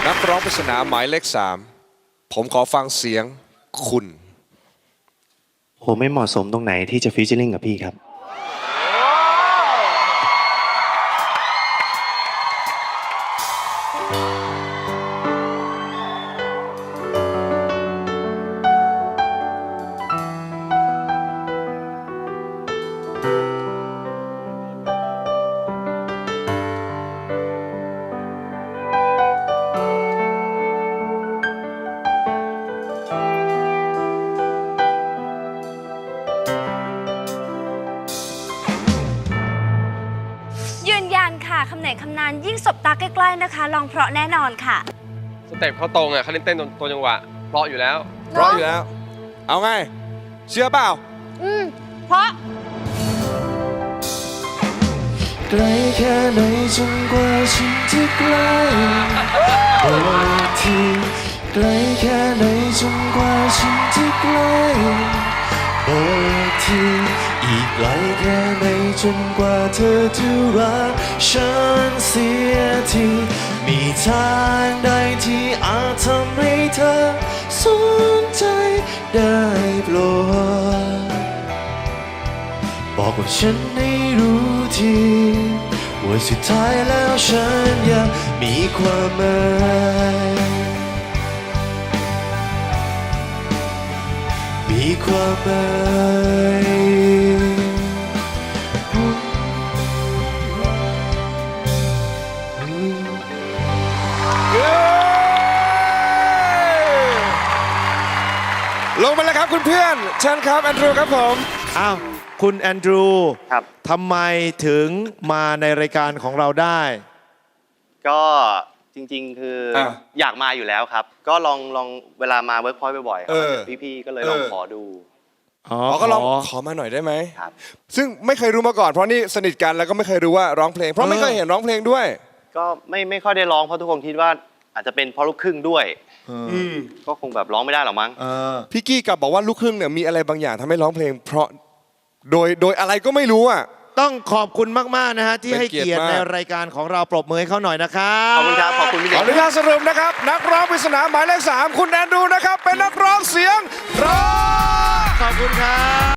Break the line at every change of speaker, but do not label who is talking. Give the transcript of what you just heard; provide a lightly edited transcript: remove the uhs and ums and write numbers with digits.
นักร้องปริศนาหมายเลข3ผมขอฟังเสียงคุณ
ผมไม่เหมาะสมตรงไหนที่จะฟีเจอริ่งกับพี่ครับ
ยืนยันค่ะคำไหนคำนั้นยิ่งสบตาใกล้ๆนะคะลองเพราะแน่นอนค่ะ
สเต็ปเขาตรงอ่ะเขาเล่นเต้นตัวจังหวะเพราะอยู่แล้ว
เพราะอยู่แล้วเอาไงเชื่อเปล่า
เพราะ
ไกลแค่ไหนจนกว่าฉันจะใกล้บอกทีไกลแค่ไหนจนกว่าฉันจะใกล้บอกทีอีกไกลแค่ไหนจนกว่าเธอจะรักฉันเสียทีมีทางใดที่อาจทำให้เธอสนใจได้โปรดบอกว่าฉันให้รู้ทีว่าสุดท้ายแล้วฉันยังมีความหมายมีความหมาย
ลงมาแล้วครับคุณเพื่อนเชิญครับแอนดรูครับผม
อ้าวคุณแอนดรู
ครับ
ทำไมถึงมาในรายการของเราได้
ก็จริงๆคืออยากมาอยู่แล้วครับ ก็ลองเวลามาเวิร์กพอยต์บ่อยๆครับพี่ๆก็เลยลองขอดู
ก็ลองขอมาหน่อยได้ไหม
ครับ
ซึ่งไม่เคยรู้มาก่อนเพราะนี่สนิทกันแล้วก็ไม่เคยรู้ว่าร้องเพลงเพราะไม่เคยเห็นร้องเพลงด้วย
ก็ไม่ค่อยได้ร้องเพราะทุกคนคิดว่าอาจจะเป็นเพราะลูกครึ่งด้วยก็คงแบบร้องไม่ได้หรอกมั้ง
พี่กี้กลับบอกว่าลูกครึ่งเนี่ยมีอะไรบางอย่างทำให้ร้องเพลงเพราะโดยอะไรก็ไม่รู้อ่ะ
ต้องขอบคุณมากๆนะฮะที่ให้เกียรติในรายการของเราปรบมือให้เขาหน่อยนะครับ
ขอบคุณครับขอบคุณพี่
ขออนุญาตสรุปนะครับนักร้องปริศนาหมายเลข3คุณแอนดรูนะครับเป็นนักร้องเสียงร้อง
ขอบคุณครับ